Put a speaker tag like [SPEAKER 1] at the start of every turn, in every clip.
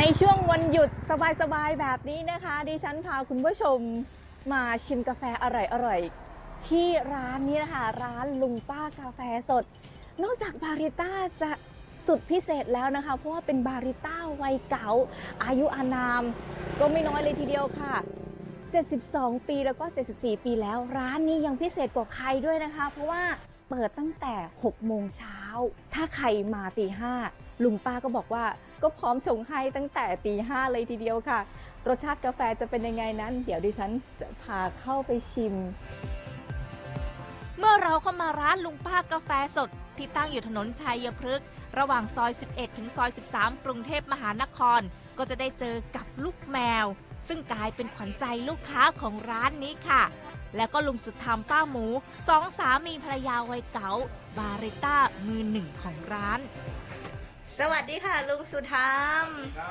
[SPEAKER 1] ในช่วงวันหยุดสบายๆแบบนี้นะคะดิฉันพาคุณผู้ชมมาชิมกาแฟอร่อยๆที่ร้านนี้นะคะร้านลุงป้ากาแฟสดนอกจากบาริต้าจะสุดพิเศษแล้วนะคะเพราะว่าเป็นบาริต้าวัยเก่าอายุอานามก็ไม่น้อยเลยทีเดียวค่ะ72 ปีแล้วก็74 ปีแล้วร้านนี้ยังพิเศษกว่าใครด้วยนะคะเพราะว่าเปิดตั้งแต่6 โมงเช้าถ้าใครมาตี 5ลุงป้าก็บอกว่าก็พร้อมส่งให้ตั้งแต่ตี 5เลยทีเดียวค่ะรสชาติกาแฟจะเป็นยังไงนั้นเดี๋ยวดิฉันจะพาเข้าไปชิม
[SPEAKER 2] เมื่อเราเข้ามาร้านลุงป้ากาแฟสดที่ตั้งอยู่ถนนชัยพฤกษ์ระหว่างซอย 11 ถึงซอย 13 กรุงเทพมหานครก็จะได้เจอกับลูกแมวซึ่งกลายเป็นขวัญใจลูกค้าของร้านนี้ค่ะแล้วก็ลุงสุดธรรมป้าหมูสองสามีภรรยาวัยเก๋าบาริต้ามือหนึ่งของร้านสวัสดีค่ะลุงสุธรรม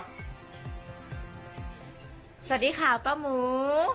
[SPEAKER 2] สวัสดีค่ะป้าหมู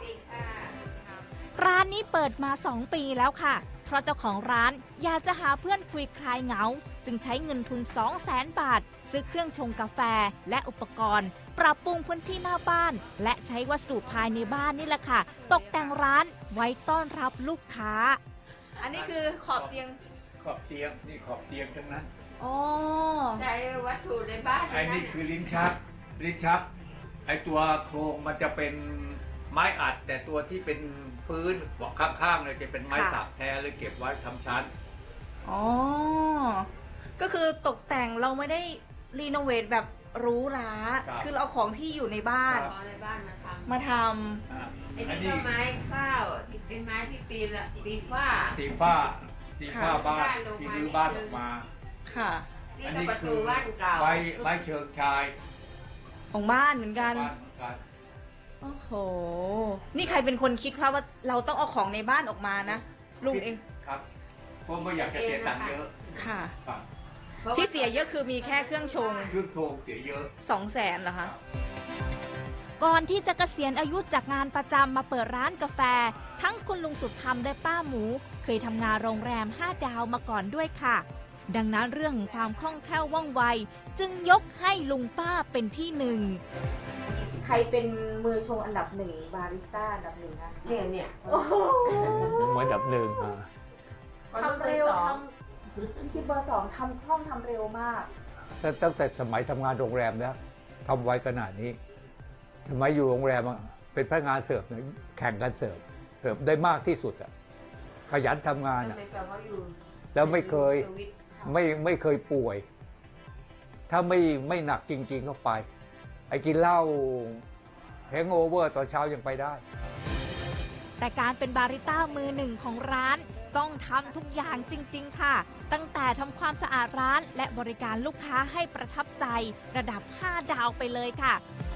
[SPEAKER 2] ร้านนี้เปิดมา2 ปีแล้วค่ะเพราะเจ้าของร้านอยากจะหาเพื่อนคุยคลายเหงาจึงใช้เงินทุน 200,000 บาทซื้อเครื่องชงกาแฟและอุปกรณ์ปรับปรุงพื้นที่หน้าบ้านและใช้วัสดุภายในบ้านนี่แหละค่ะตกแต่งร้านไว้ต้อนรับลูกค้าอันนี้คือขอบเตียง
[SPEAKER 3] นี่ขอบเตียงทั้งนั้น
[SPEAKER 2] อ๋อ
[SPEAKER 4] ใช้วัตถุในบ้าน
[SPEAKER 3] ไอ้นี่คือลิ้นชักไอ้ตัวโครงมันจะเป็นไม้อัดแต่ตัวที่เป็นพื้นข้างๆเลยจะเป็นไม้สักแท้เลยเก็บไว้ทำชั้น
[SPEAKER 2] อ๋อก็คือตกแต่งเราไม่ได้รีโนเวทแบบหรูหราคือเราเอาของที่อยู่ในบ้าน
[SPEAKER 4] ในบ้าน
[SPEAKER 2] มาท
[SPEAKER 4] ำไอ้นี่ก็ไม้ข้าวเป็นไม้ที่ตีฝ้า
[SPEAKER 3] บ้านที่รื้อบ้านออกมา
[SPEAKER 2] ค่ะ
[SPEAKER 4] อันนี้ประตูบ้านเก่า
[SPEAKER 3] ไม้เชิงชาย
[SPEAKER 2] ของบ้านเหมือนกันโอ้โหนี่ใครเป็นคนคิดว่าเราต้องเอาของในบ้านออกมานะลุงเอง
[SPEAKER 3] ครับเพราะไม่อยากจะเสียตังค์เยอะ
[SPEAKER 2] ค่ะที่เสียเยอะคือมีแค่เครื่องชง
[SPEAKER 3] เสียเยอะ
[SPEAKER 2] 200,000เหรอคะก่อนที่จะเกษียณอายุจากงานประจำมาเปิดร้านกาแฟทั้งคุณลุงสุดธรรมและป้าหมูเคยทำงานโรงแรม5 ดาวมาก่อนด้วยค่ะดังนั้นเรื่องความคล่องแคล่วว่องไวจึงยกให้ลุงป้าเป็นที่หนึ่งใครเป็นมือชงอันดับ1บาริสต้าอันดับ1คะ
[SPEAKER 4] เนี่ย
[SPEAKER 3] เหมือนอันดับ1
[SPEAKER 2] ทำเร็วที่เบอร์ 2ทำคล่องทำเร็วมาก
[SPEAKER 3] ตั้งแต่สมัยทำงานโรงแรมแล้วทำไวขนาดนี้สมัยอยู่โรงแรมเป็นพนักงานเสิร์ฟแข่งกันเสิร์ฟได้มากที่สุดขยันทำงานแล้วไม่เคยป่วยถ้าไม่หนักจริงๆเข้าไปไอ้กินเหล้าแฮงโอเวอร์ตอนเช้ายังไปได้
[SPEAKER 2] แต่การเป็นบาริต้ามือหนึ่งของร้านต้องทำทุกอย่างจริงๆค่ะตั้งแต่ทำความสะอาดร้านและบริการลูกค้าให้ประทับใจระดับ5 ดาวไปเลยค่ะ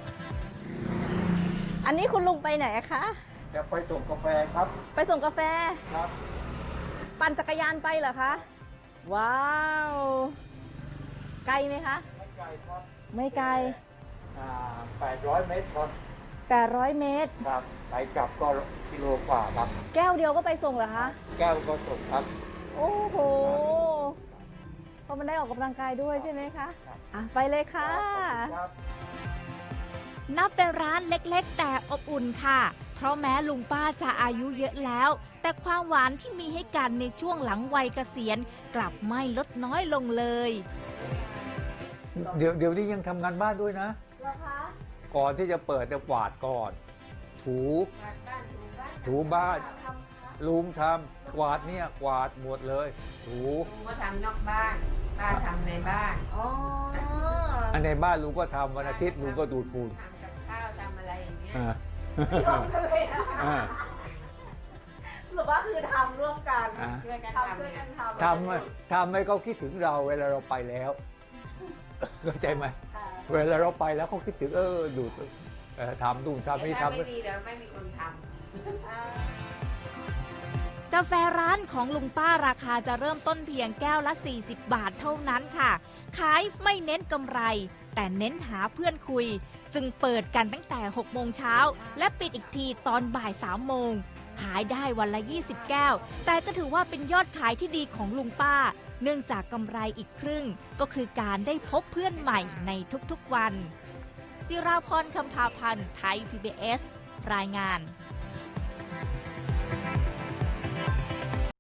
[SPEAKER 1] อันนี้คุณลุงไปไหนคะ
[SPEAKER 3] จะไปส่งกาแฟครับ
[SPEAKER 1] ไปส่งกาแฟ
[SPEAKER 3] ครับ
[SPEAKER 1] ปั่นจักรยานไปเหรอคะว้าวไกลไหมคะ
[SPEAKER 3] ไม่ไกลครับ
[SPEAKER 1] ไม่ไกล
[SPEAKER 3] 800 เมตรครับ
[SPEAKER 1] 800 เมตร
[SPEAKER 3] ครับไปกลับก็กิโลกว่าครับ
[SPEAKER 1] แก้วเดียวก็ไปส่งเหรอคะ
[SPEAKER 3] แก้วก็ส่งครับ
[SPEAKER 1] โอ้โหเพราะมันได้ออกกำลังกายด้วยใช่ไหมคะไปเลยค่ะ
[SPEAKER 2] นับเป็นร้านเล็กๆแต่อบอุ่นค่ะเพราะแม้ลุงป้าจะอายุเยอะแล้วแต่ความหวานที่มีให้กันในช่วงหลังวัยเกษียณกลับไม่ลดน้อยลงเลย
[SPEAKER 3] เดี๋ยวนี้ยังทำงานบ้านด้วยนะ
[SPEAKER 1] เหรอคะ
[SPEAKER 3] ก่อนที่จะเปิดจะกวาดก่อนถูบ้านลุงทำกวาดเนี่ยกวาดหมดเลย
[SPEAKER 4] ลุงก็ทำนอกบ้านป้าทำในบ้าน
[SPEAKER 3] อันในบ้านลุงก็ทำวันอาทิตย์ลุงก็ดูดฝุ่น
[SPEAKER 4] ทำกับข้าวทำอะไรอย่างเงี้ย
[SPEAKER 1] ทำกันเลยนะสรุปว่าคือทำร่วมกัน
[SPEAKER 4] ช่วยกัน
[SPEAKER 3] ทำให้เขาคิดถึงเราเวลาเราไปแล้วเข้าใจไหมเวลาเราไปแล้วเขาคิดถึงดูดทำนู่นทำนี่ทำ
[SPEAKER 4] ไม่ดีแล้วไม่มีคนทำ
[SPEAKER 2] กาแฟร้านของลุงป้าราคาจะเริ่มต้นเพียงแก้วละ40 บาทเท่านั้นค่ะขายไม่เน้นกำไรแต่เน้นหาเพื่อนคุยจึงเปิดกันตั้งแต่6 โมงเช้าและปิดอีกทีตอนบ่าย 3 โมงขายได้วันละ20 แก้วแต่ก็ถือว่าเป็นยอดขายที่ดีของลุงป้าเนื่องจากกำไรอีกครึ่งก็คือการได้พบเพื่อนใหม่ในทุกๆวันจิราพรคำพาพันธ์ไทย PBS รายงาน